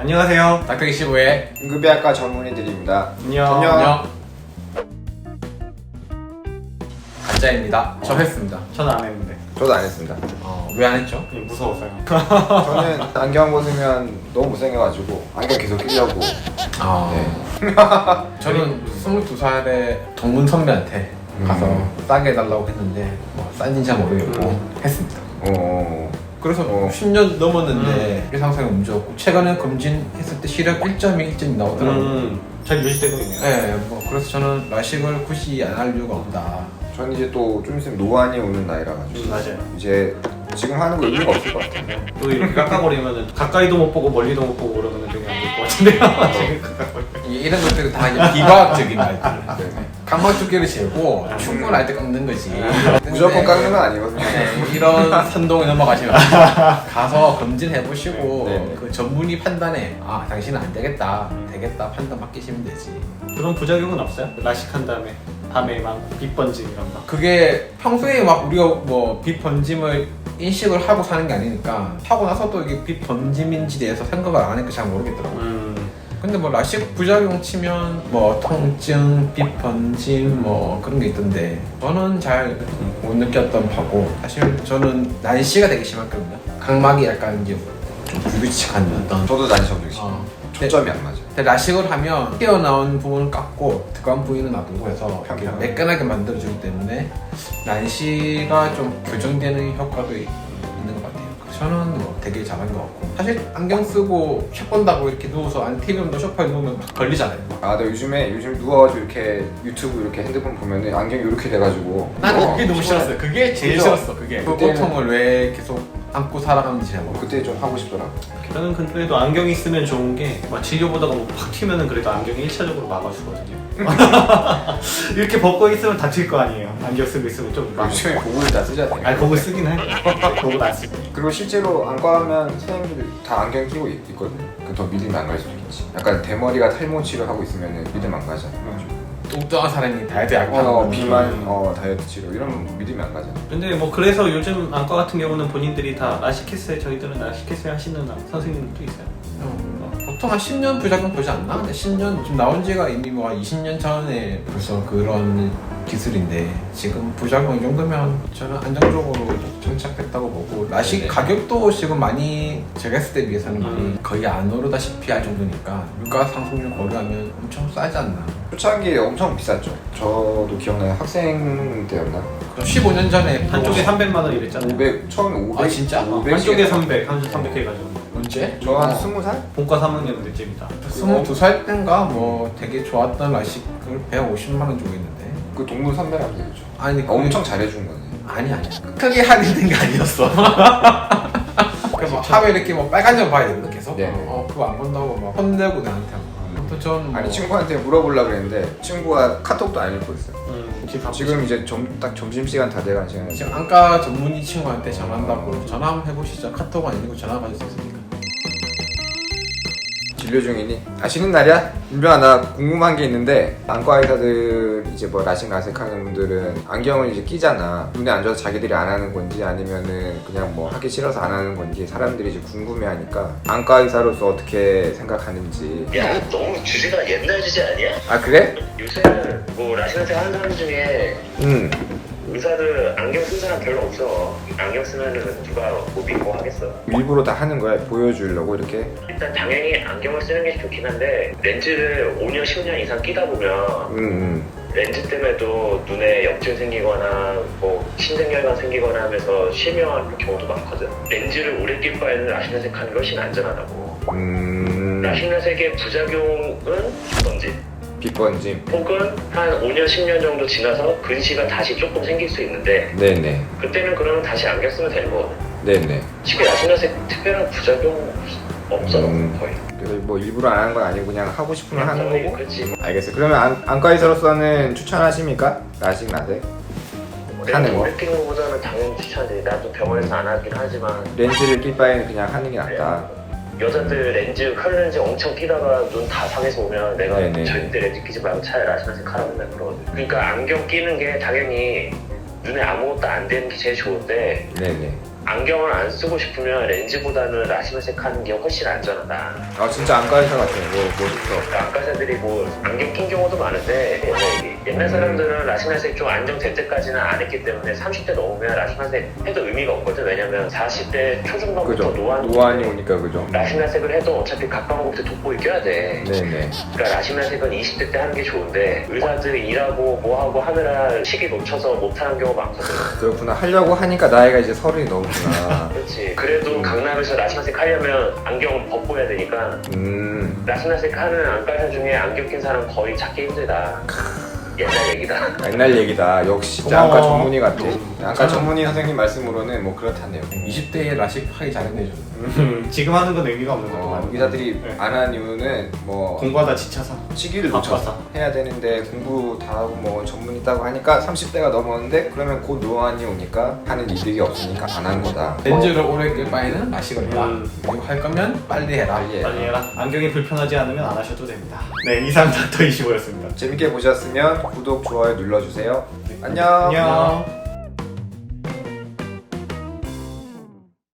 안녕하세요. 닥터25의 응급의학과 전문의들입니다. 안녕. 가짜입니다. 저 했습니다. 저는 안 했는데. 저도 안 했습니다. 왜 안 했죠? 무서워서요. 저는 안경 벗으면 너무 못생겨가지고 안경 계속 끼려고. 네. 저는 22살에 동문 선배한테 가서 싸게 해달라고 했는데 싼지 잘 모르겠고 했습니다. 그래서 10년 넘었는데 일상생활 문제 없고 최근에 검진했을 때 시력 1.2, 1.2 나오더라고요. 잘 유지되고 있네요. 네, 그래서 저는 라식을 굳이 안 할 이유가 없다. 저는 이제 또 좀 있으면 노안이 오는 나이라 가지고 맞아요. 이제 지금 하는 거 의미가 없을 것 같아요. 또 이렇게 깎아버리면 가까이도 못 보고 멀리도 못 보고 그러면 되게 안 될 것 같은데요. 지금 깎아버리면. 이런 것들은 다 이제 비과학적인 말들. 각막 두께를 재고 충분할 때 깎는 거지. 무조건 깎는 건 아니거든요. 네, 이런 선동에 넘어가시면 가서 검진해보시고 네. 그 전문의 판단에 당신은 안 되겠다, 되겠다 판단 맡기시면 되지. 그런 부작용은 없어요? 라식한 다음에 밤에 막 빛번짐 이런 거. 그게 평소에 막 우리가 뭐 빛 번짐을 인식을 하고 사는 게 아니니까 하고 나서 또 이게 빛 번짐인지 대해서 생각을 안 하니까 잘 모르겠더라고요. 근데 뭐 라식 부작용 치면 뭐 통증, 빛 번짐 뭐 그런 게 있던데 저는 잘 못 느꼈던 바고 사실 저는 난시가 되게 심했거든요. 각막이 약간 이제 좀 불규칙한 어떤 저도 난시 엄청 심해요. 초점이 안 맞아요. 근데 라식을 하면 튀어나온 부분을 깎고 들어간 부위는 놔두고 해서 이렇게 평평하게. 매끈하게 만들어주기 때문에 난시가 좀 교정되는 효과도 있는 것 같아요. 그래서 저는 뭐 되게 잘한 것 같고 사실 안경 쓰고 책 본다고 이렇게 누워서 안티비움도 소파에 누우면 막 걸리잖아요. 나 요즘 누워가지고 이렇게 유튜브 이렇게 핸드폰 보면은 안경이 이렇게 돼가지고 나는 그게 너무 싫었어요. 그게 제일 그죠? 싫었어. 그게 그 그때는- 고통을 왜 계속 안고 살아가는지 잘 모르겠어. 그때 좀 하고 싶더라고. 저는 그래도 안경이 있으면 좋은 게 막 진료보다가 뭐팍 튀면은 그래도 안경이 1차적으로 막아주거든요. 이렇게 벗고 있으면 다칠 거 아니에요. 안경 쓰고 있으면 좀 막. 요즘에 고글 다 쓰잖아요. 아니 그거 쓰긴 해요. 그거 안 쓰고. 그리고 실제로 안과 하면 선생님들이 다 안경 끼고 있거든요. 더 믿음 안 갈 수도 있지. 약간 대머리가 탈모 치료하고 있으면 믿음 안 가잖아요. 뚱뚱한 사람이 다이어트 약하고 비만, 다이어트 치료 이러면 믿음이 안 가잖아요. 근데 뭐 그래서 요즘 안과 같은 경우는 본인들이 다 라식했어요. 저희들은 라식했어요 하시는 선생님들도 있어요. 보통 한 10년 부작용 보지 않나? 근데 10년 지금 나온 지가 이미 뭐 20년 전에 벌써 그런 기술인데 지금 부작용 이 정도면 저는 안정적으로 정착됐다고 보고 라식 네네. 가격도 지금 많이 제가 했을 때 비해서는 거의 안 오르다시피 할 정도니까 물가 상승률 고려하면 엄청 싸지 않나. 초창기에 엄청 비쌌죠. 저도 기억나요. 학생 때였나? 15년 전에 한쪽에 300만 원 이랬잖아요. 500, 처음에 500. 진짜? 500 한쪽에 300, 한쪽 300 해가지고. 언제? 저 한 20살? 본과 3학년 때쯤이다. 22살 때인가 뭐 되게 좋았던 라식을 150만 원 주고 있는데 그 동문 선배라고 되죠. 아니 엄청 잘해준 거네. 아니야 크게 할인된 게 아니었어. 그막 하면 이렇게 뭐 빨간 점 봐야 되거든 계속. 네. 그거 안 본다고 막 혼내고 나한테. 또 전 아니 친구한테 물어보려고 그랬는데 친구가 카톡도 안 읽고 있어요. 지금 지금 이제 딱 점심시간 다 돼가는 시간에 지금 안과 전문의 친구한테 전화한다고 전화 한번 해보시죠. 카톡 아니고 전화 받을 수 있으니까. 진료 중이니 쉬는 날이야? 윤병아 나 궁금한 게 있는데 안과 의사들 이제 뭐 라식 라섹하는 분들은 안경을 이제 끼잖아. 눈에 안 좋아서 자기들이 안 하는 건지 아니면은 그냥 뭐 하기 싫어서 안 하는 건지 사람들이 이제 궁금해하니까 안과 의사로서 어떻게 생각하는지. 야, 너무 주제가 옛날 주제 아니야? 아 그래? 요새는 뭐 라식라섹 하는 사람 중에 의사들 안경 쓴 사람 별로 없어. 안경 쓰면은 누가 뭐 믿고 하겠어. 일부러 다 하는 거야? 보여주려고 이렇게? 일단 당연히 안경을 쓰는 게 좋긴 한데 렌즈를 5년, 10년 이상 끼다 보면 렌즈 때문에도 눈에 염증 생기거나 뭐 신생혈관 생기거나 하면서 실명하는 경우도 많거든. 렌즈를 오래 낄 바에는 라식라섹 하는 게 훨씬 안전하다고. 라식라섹의 부작용은 빗번짐. 빛번짐. 혹은 한 5년, 10년 정도 지나서 근시가 다시 조금 생길 수 있는데 네네. 그때는 그러면 다시 안경 쓰면 되는 거거든. 네네. 쉽게 라식라섹 특별한 부작용 없어 거의. 그래서 뭐 일부러 안 하는 건 아니고 그냥 하고 싶으면 하는 거의 거고? 그렇지. 알겠어요. 그러면 안과 의사로서는 추천하십니까? 라식 라섹? 하는 거? 오래 끼는 것보다는 당연히 추천하지. 나도 병원에서 안 하긴 하지만 렌즈를 낄 바에는 그냥 하는 게 낫다. 여자들 렌즈, 칼 렌즈 엄청 끼다가 눈 다 상해서 오면 내가 네네. 절대 렌즈 끼지 말고 차라리 라식라섹 하라고 맨날 그러거든. 그러니까 안경 끼는 게 당연히 눈에 아무것도 안 되는 게 제일 좋은데 네네. 안경을 안 쓰고 싶으면 렌즈보다는 라시면색 하는 게 훨씬 안전하다. 아 진짜 안과 의사 같아요. 멋있어. 그러니까 안과사들이 뭐 안경 낀 경우도 많은데 옛날 사람들은 라시면색 좀 안정될 때까지는 안 했기 때문에 30대 넘으면 라시면색 해도 의미가 없거든. 왜냐면 40대 초중반부터 그죠. 노안이 노안이 오니까 그죠. 라시면색을 해도 어차피 각광목대 돋보이 껴야 돼. 네네. 그러니까 라시면색은 20대 때 하는 게 좋은데 의사들이 일하고 뭐하고 하느라 시기 놓쳐서 못하는 경우가 많거든. 그렇구나. 하려고 하니까 나이가 이제 30이 넘구나. 그렇지. 그래도 강남에서 라시면색 하려면 안경을 벗고 해야 되니까 라시면색 하는 안과의사 중에 안경 낀 사람 거의 찾기 힘들다. 옛날 얘기다. 옛날 얘기다. 역시 진짜 고마워. 안과 전문의 같아. 안과 전문의 선생님 말씀으로는 뭐 그렇다네요. 20대에 라식 하기 잘했네 좀. 지금 하는 건 의미가 없는 거고 의사들이 네. 안 하는 이유는 뭐 공부하다 지쳐서 시기를 바빠서. 놓쳐서 해야 되는데 공부 다 하고 뭐 전문 있다고 하니까 30대가 넘었는데 그러면 곧 노안이 오니까 하는 이득이 없으니까 안 하는 거다. 렌즈를 오래 끌 바에는 라식을 해라. 그리고 할 거면 빨리 해라. 빨리 해. 빨리 해라. 안경이 불편하지 않으면 안 하셔도 됩니다. 네, 이상 닥터 25였습니다. 재밌게 보셨으면 구독, 좋아요 눌러주세요. 안녕. 안녕.